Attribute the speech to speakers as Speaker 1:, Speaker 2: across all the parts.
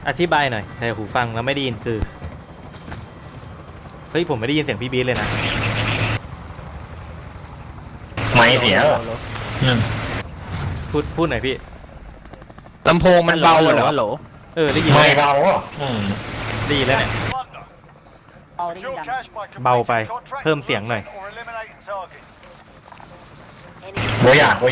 Speaker 1: อธิบายหน่อยในหูฟังแล้วไม่ได้ยินคือเฮ้ยผมไม่ได้ยินเสียงพี่บีเลยนะ
Speaker 2: ไม่เสียหรอ
Speaker 1: พูดหน่อยพี่
Speaker 3: ลำโพงมันเบาเหรอ
Speaker 1: ได้ยิน
Speaker 2: ไม่เบาอ่ะ
Speaker 1: ได้ยินแล้วเนี่ยเบาไปเพิ่มเสียงหน่อย
Speaker 2: โบอยาก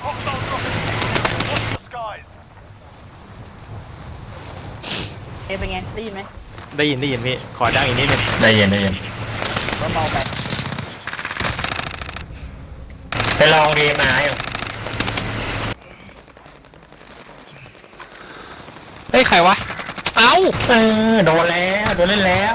Speaker 4: เป็นไงได้ยินไหม
Speaker 1: ได้ยินพี่ขอดังอีกนิดนึง
Speaker 2: ได้ยิน
Speaker 4: ก็เบาไป
Speaker 2: ไปลองดีมาอยู่
Speaker 3: เฮ้ยใครวะเอ้า
Speaker 2: โดนแล้วโดนเล่นแล้ว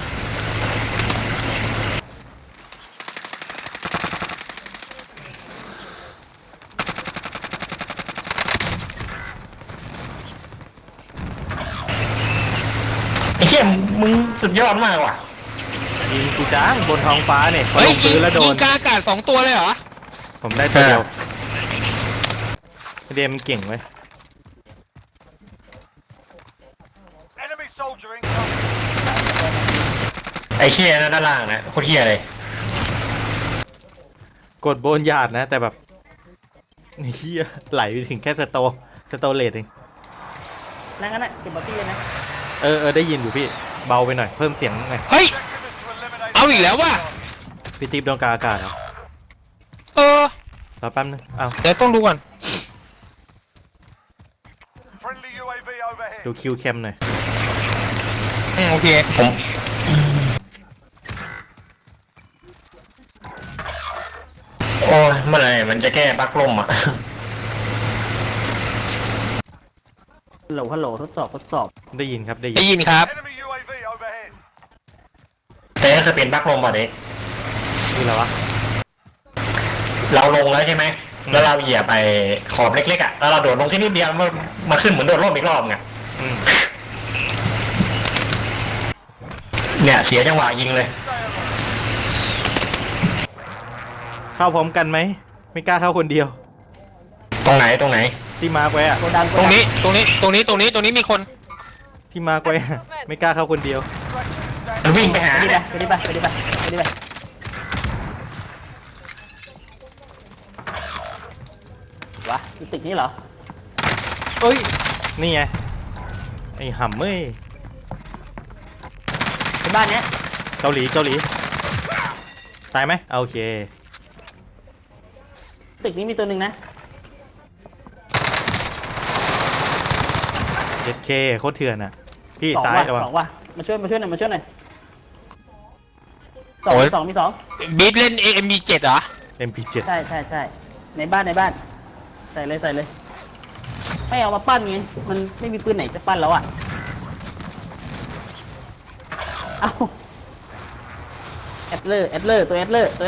Speaker 2: ไอ้เหี้ยมึงสุดยอดมากว่ะ
Speaker 1: ยิงกูจ้างบนท้องฟ้าเนี่ยพอ
Speaker 3: เฮ้
Speaker 1: ล
Speaker 3: ย
Speaker 1: งปืนแล้วโด
Speaker 3: ยิ
Speaker 1: น
Speaker 3: งกลางอากาศ2 ตัวเลยเหรอ
Speaker 1: ผมได้ตัวเดียวเดมมันเก่งไหม
Speaker 2: ไอ้เหี้ยนะด้านล่างนะโคตรเหี้ยเลย
Speaker 1: กดโบนหยาดนะแต่แบบเฮียไหลไปถึงแค่สโตเลตเอง
Speaker 4: นั่นก็น่ะเก็บบอตี้เลยนะ
Speaker 1: ได้ยินอยู่พี่เบาไปหน่อยเพิ่มเสียงหน่อย
Speaker 3: เฮ้ยเอาอีกแล้วว่ะ
Speaker 1: พี่ติ๊บโดนกลางอากาศเหรอรอแป๊บนึงเอา
Speaker 3: เดี๋ยวต้องดูก่อน
Speaker 1: ดูคิวแคมหน่อย
Speaker 3: โอเค
Speaker 2: โอ้ยเมื่อไหร่มันจะแก้บั๊กล่มอ่ะ
Speaker 4: ฮัลโหลทดสอบ
Speaker 1: ได้ยินครับ
Speaker 3: ได้ยินครับ
Speaker 2: แต่จะเป็นบั๊กล่มป่ะเด็ก
Speaker 1: คืออะไรวะ
Speaker 2: เราลงแล้วใช่ไหมแล้วเราเหยียบไปขอบเล็กๆอ่ะแล้วเราโดดลงที่นิดเดียวมาขึ้นเหมือนโดดร่มอีกรอบไงเนี่ยเสียจังหวะยิงเลย
Speaker 1: เข้าพร้อมกันไหมไม่กล้าเข้าคนเดียว
Speaker 2: ตรงไหน
Speaker 1: ที่มาร์กไว้อะ
Speaker 3: ตรงนี้มีคน
Speaker 1: ที่มาร์กไว้ไม่กล้าเข้าคนเดียว
Speaker 2: มันวิ่งไปหา
Speaker 4: เนี่ยไปดิวะตึกนี้เหรอ
Speaker 1: เอ้ยนี่ไงไอ้ห่ำเอ้ย
Speaker 4: ในบ้านเนี้ย
Speaker 1: เกาหลีตายไหมโอเค
Speaker 4: ตึกนี้มีตัวหนึ่งนะ
Speaker 1: เคโคตรเถื่อนอ่ะพี่ซ้ายระวัง
Speaker 4: 2 ว่ะมาช่วยหน่อย2 มี 2
Speaker 3: บีทเล่น MP7 เหรอ
Speaker 1: MP7
Speaker 4: ใช่ในบ้านใส่เลยไม่เอามาปั้นไงมันไม่มีปืนไหนจะปั้นแล้วอ่ะเอาแอดเลอร์ตัวแอดเลอร์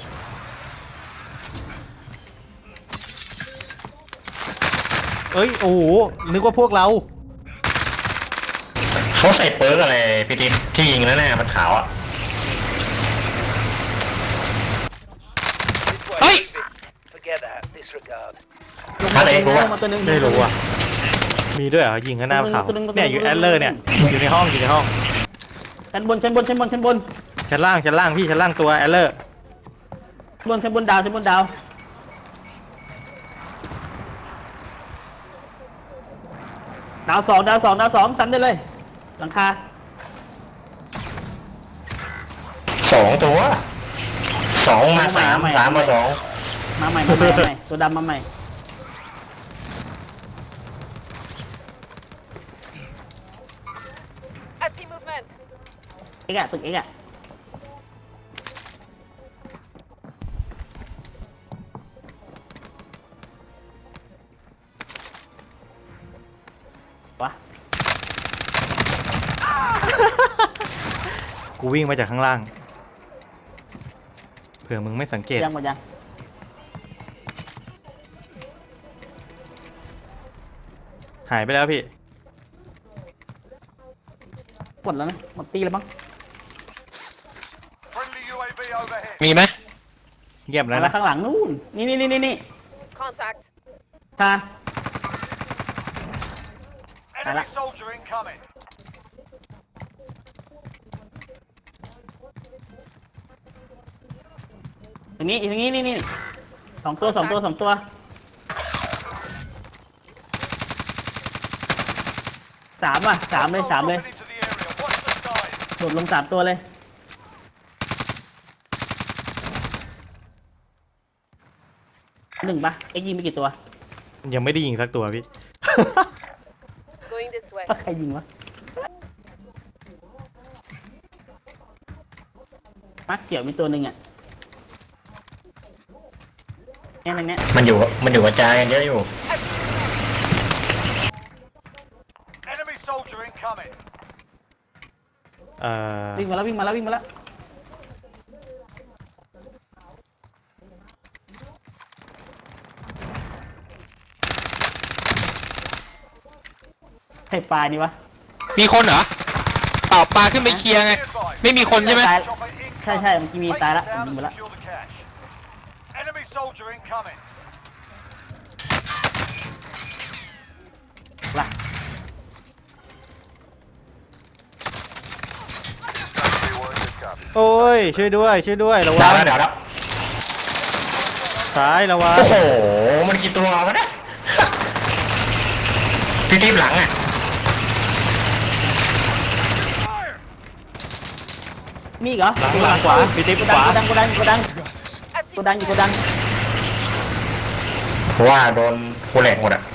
Speaker 1: เอ้ยโอ้โหนึกว่าพวกเรา
Speaker 2: เขาใส่เปิร์กอะไรพี่ติ๊บที่ยิงแล้วแน่มันขาวอ่ะ
Speaker 3: เฮ้ย
Speaker 2: อะไรกูวะ
Speaker 1: ไม่รู้อ่ะมีด้วยเหรอยิงข้างหน้าเขาเนี่ยอยู่แอดเลอร์เนี่ยอยู่ในห้อง
Speaker 4: ชั้นบนชั้น
Speaker 1: ล่างพี่ชั้นล่างตัวแอดเลอร์
Speaker 4: ชั้นบนดาว2ซ้ำได้เลยหลังคา
Speaker 2: 2 ตัว2มา3 3มา2
Speaker 4: มาใหม่ตัวดำมาใหม่ตึกเอ็กอะวะ
Speaker 1: กูวิ่งมาจากข้างล่างเผื่อมึงไม่สังเกต
Speaker 4: ยัง
Speaker 1: หายไปแล้วพี่
Speaker 4: หมดแล้วนะหมดตีแล้วมั้ง
Speaker 3: มีไหม
Speaker 1: เงียบแล้วนะ
Speaker 4: ข้างหลังนู่นนี่ทาน
Speaker 5: Enemy soldier incoming.
Speaker 4: ตรงนี้นี่สองตัวสามว่ะสามเลย
Speaker 5: Dropping into the area. Watch the skies.
Speaker 4: โดดลงสามตัวเลยหนึ่งปะเอ็กยิงไปกี่ตัว
Speaker 1: ยังไม่ได้ยิงสักตัวพี่
Speaker 6: Going this way.
Speaker 4: ว่าใครยิงวะมักเกี่ยวมีตัวหนึ่งอ่ะเนี่ยตรงเนี้ย
Speaker 2: มันอยู่กระจายกันเยอะอยู่
Speaker 5: Enemy soldier incoming.
Speaker 4: วิ่งมาแล้วใครปลานี่วะ
Speaker 3: มีคนเหรอเปล่าปลาขึ้นไปเคลียร์ไง
Speaker 5: Be advised.
Speaker 3: ไม่มีคนใช่ไหม
Speaker 4: ตาย
Speaker 5: Chopper incoming.
Speaker 4: ใช่เมื่อกี้มีตายละ
Speaker 5: Place it
Speaker 4: ผม
Speaker 5: down
Speaker 4: ยิงไป
Speaker 5: and
Speaker 4: ละ
Speaker 5: secure the cache. Enemy soldier incoming.
Speaker 4: ละ
Speaker 1: โอ้ยช่วยด้วยระวั
Speaker 2: ดาง วแล้วเดี๋ยวแล้ว
Speaker 1: ซ้ายระวัง
Speaker 2: โอ้โห มันกี่ตัววะเนี่ยพี่ทีบหลังอ่ะ
Speaker 4: มีอีกเหรอ
Speaker 1: หลังขวาพี่ติ๊บขวา
Speaker 4: โกดังอยู่โกดัง
Speaker 2: เพราะว่าโดนกูแหลกหมดอ่ะ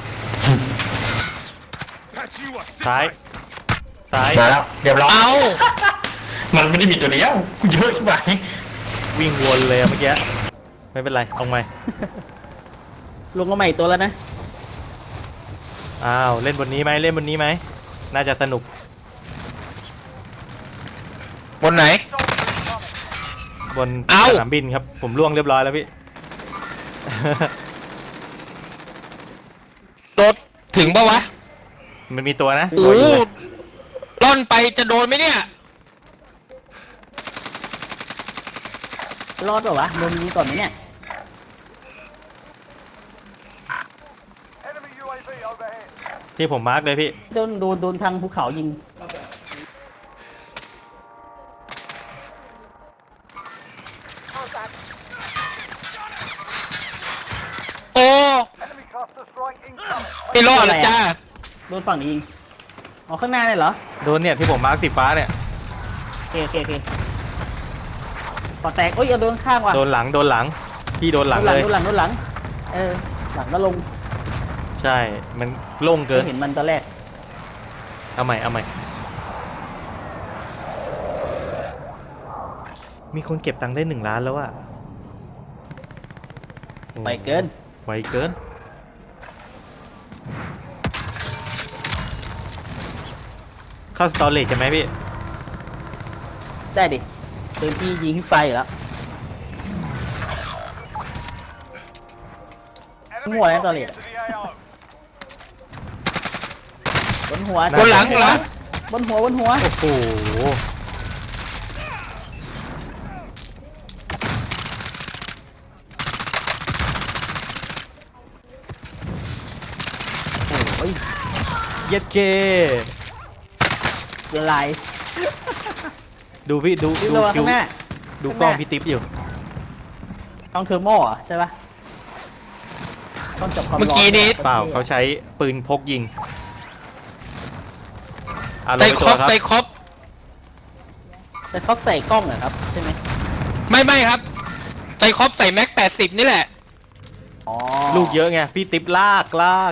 Speaker 5: Patch you up.
Speaker 1: ซ้าย
Speaker 2: มาแล้วเรียบร้อย
Speaker 3: เอา
Speaker 2: มันไม่ได้มีตัวเดียวเยอะใช่ไหม
Speaker 1: วิ่งวนเลยอะเมื่อกี้ไม่เป็นไรเอาไหม
Speaker 4: ลงมาใหม่ตัวแล้วนะ
Speaker 1: อ้าวเล่นบนนี้ไหมน่าจะสนุก
Speaker 3: บนไหน
Speaker 5: Soldier incoming.
Speaker 1: บน
Speaker 3: เอ้า
Speaker 1: สนามบินครับผมล่วงเรียบร้อยแล้วพี่
Speaker 3: รถถึงปะวะ
Speaker 1: มันมีตัวนะ
Speaker 3: โอ้
Speaker 1: ตัวยิงเลย
Speaker 3: ล่อนไปจะโดนไหมเนี่ย
Speaker 4: รอดเปล่าวะโดนยิงก่อนไหมเนี่ย
Speaker 5: Enemy UAV overhead.
Speaker 1: ที่ผมมาร์กเลยพี่
Speaker 4: โดนทางภูเขายิง
Speaker 3: โอ้
Speaker 5: Enemy cluster strike incoming.
Speaker 3: ไม่รอดละจ้า
Speaker 4: โดนฝั่งนี้ยิงอ๋อข้างหน้าเลยเหรอ
Speaker 1: โดนเนี่ยที่ผมมาร์กสีฟ้าเนี่ย
Speaker 4: โอเคปอแตกโอ้ยเอาโดนข้างว่ะ
Speaker 1: โดนหลังพี่โดนหลังเลย
Speaker 4: โดนหลังหลังก็ลง
Speaker 1: ใช่มันโล่งเกิน
Speaker 4: เห็นมันตอนแรก
Speaker 1: เอาใหม่มีคนเก็บตังค์ได้1 ล้านแล้วอะโอ้
Speaker 4: ไปเกิน
Speaker 1: ไวเกินเข้าสตอเรจใช่ไหมพี่
Speaker 4: ได้ดิปืนที่ยิงขึ้นไปอยู่แล้ว
Speaker 5: Enemy
Speaker 4: Mua
Speaker 5: dropping
Speaker 4: tao liền.
Speaker 5: into the AO.
Speaker 4: บนหัว
Speaker 3: บนหลัง
Speaker 4: บนหัว
Speaker 1: โอ้โหเย็ดเก
Speaker 4: ละลาย
Speaker 1: ดูพี่ดู
Speaker 4: ยิง
Speaker 1: ดู
Speaker 4: ระวัง
Speaker 1: คิ
Speaker 4: ข้าว งหน้า
Speaker 1: ดูกล้องพี่ติ๊บอยู่
Speaker 4: ต้องเทอร์โมอ่ะใช่ปะต้องจับความร้อน
Speaker 3: เมื่อกี้นี้
Speaker 1: เปล่าเขาใช้ปืนพกยิงอ่ะลง
Speaker 3: ใส่
Speaker 1: ไป
Speaker 3: ค
Speaker 1: ตั
Speaker 3: ร
Speaker 1: ว
Speaker 3: บ
Speaker 1: ครับ
Speaker 3: ใส่ครบ
Speaker 4: แต่เขาใส่กล้องเหรอครับใช่ไหม
Speaker 3: ไม่ครับใส่ครบใส่แม็ก80นี่แหละ
Speaker 4: อ๋อ
Speaker 1: ลูกเยอะไงพี่ติ๊บลาก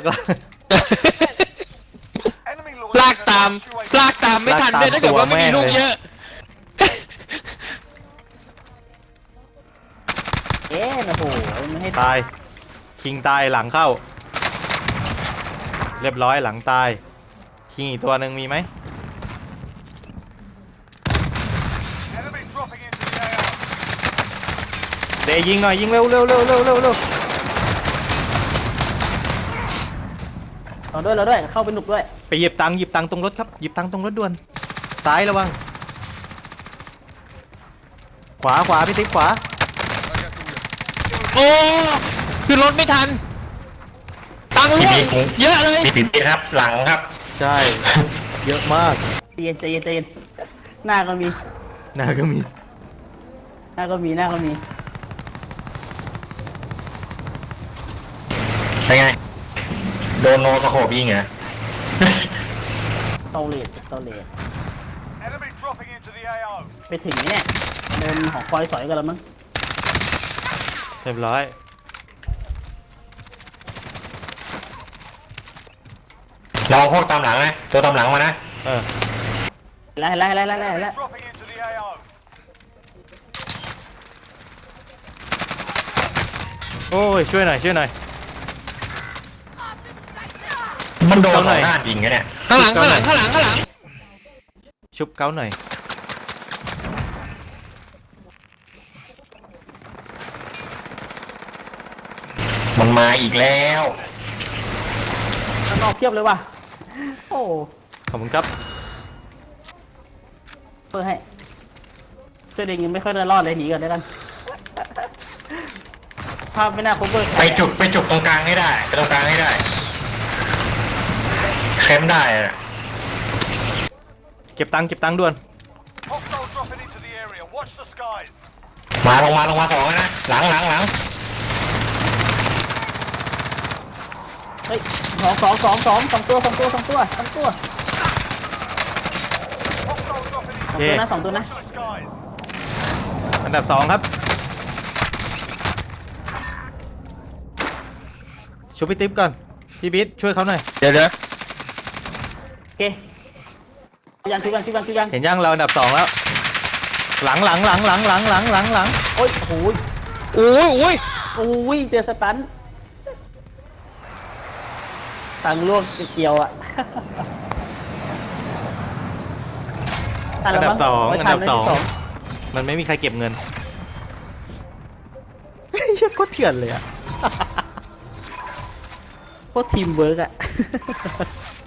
Speaker 5: Enemy
Speaker 3: ลากตาม
Speaker 5: UAV.
Speaker 3: ลากตามไม่ทันด้วยถ้าเกิดว่าไม่มีลูกเยอะ
Speaker 4: โอ้โหไม่ให้
Speaker 1: ตายคิงตายหลังเข้า เรียบร้อยหลังตายคิงอีกตัวหนึ่งมีไหม
Speaker 5: Enemy dropping into the AO.
Speaker 1: เดย์ยิงหน่อยยิงเร็ว
Speaker 4: เราด้วยเข้าไปหนุกด้วย
Speaker 1: ไปหยิบตังค์ตรงรถครับหยิบตังค์ตรงรถด่วนซ้ายระวังขวาพี่ติ๊บขวา
Speaker 3: โอ้คือรถไม่ทัน ตฟังลูกเยอะเลย
Speaker 2: มีปีกครับหลังครับ
Speaker 1: ใช่ เยอะมาก
Speaker 4: ใจเย็นใจเย็นใจเย็นหน้าก็มี
Speaker 1: หน้าก็มี
Speaker 4: หน้าก็มีหน้าก็มี
Speaker 2: เป็นไงโดนโนสโคปยิงเหรอ
Speaker 4: เตาเลดเตาเลด
Speaker 5: Enemy dropping into the AO.
Speaker 4: ไปถึงไหมเนี่ยโดนหอคอยสอยกันแล้วมั้ง
Speaker 1: เรียบร้อย
Speaker 2: เราพวกตามหลังนะตัวตามหลังมานะ
Speaker 1: เออ
Speaker 4: ไล่ไล่ไล่ไล่ไล่
Speaker 5: Enemy
Speaker 4: ไล่
Speaker 5: dropping into the AO.
Speaker 1: โอ้ยช่วยหน่อยช่วยหน่อย
Speaker 2: มันโดน
Speaker 1: เอา
Speaker 2: ส
Speaker 1: หน่
Speaker 2: อ
Speaker 1: อย
Speaker 2: งด้านยิงกันเนี่ย
Speaker 3: ข้างหลังข้างหลังข้างหลังข้างหลัง
Speaker 1: ชุบเก้าหน่อย
Speaker 2: มันมาอีกแล้ว
Speaker 4: ข้างนอกเพียบเลยว่ะโอ้
Speaker 1: ขอบคุณครับ
Speaker 4: เพื่อให้เสื้อแดงยังไม่ค่อยได้รอดเลยหนีก่อนได้กันภาพไม่น่าคบเบอร์
Speaker 2: ไปจุดตรงกลางให้ได้ไปตรงกลางให้ได้แคมป์ได้อะ
Speaker 1: เก็บตังค์ด่วน
Speaker 5: Hostile dropping into the area. Watch the skies.
Speaker 2: มาลงมาสองแล้วนะหลัง
Speaker 4: เฮ้ยสองตัว
Speaker 5: Hostile dropping into
Speaker 1: โอ
Speaker 5: the
Speaker 1: เค
Speaker 4: สองตัวนะ
Speaker 5: Watch the skies.
Speaker 1: อันดับ2ครับ ชุบพี่ติ๊บก่อน พี่บิ๊ดช่วยเขาหน่อย
Speaker 3: เดี๋ยว
Speaker 4: โอเคยังชุบยัง
Speaker 1: เห็นยังเราอันดับ2แล้ว หลัง
Speaker 4: โอ้ยโอ้ย
Speaker 3: โอ้ยโอ้ย
Speaker 4: โอ้ยเจอสตันทางล่วงเกี่ยวอ่ะ
Speaker 1: อันดับ 2
Speaker 4: ไม่
Speaker 1: อัน
Speaker 4: ทั
Speaker 1: ดับ
Speaker 4: ไม่ทั
Speaker 1: 2 มันไม่มีใครเก็บเงิน เฮ้ยโคตรเถื่อนเลยอะ
Speaker 4: โคตรทีมเวิร์กอ่ะ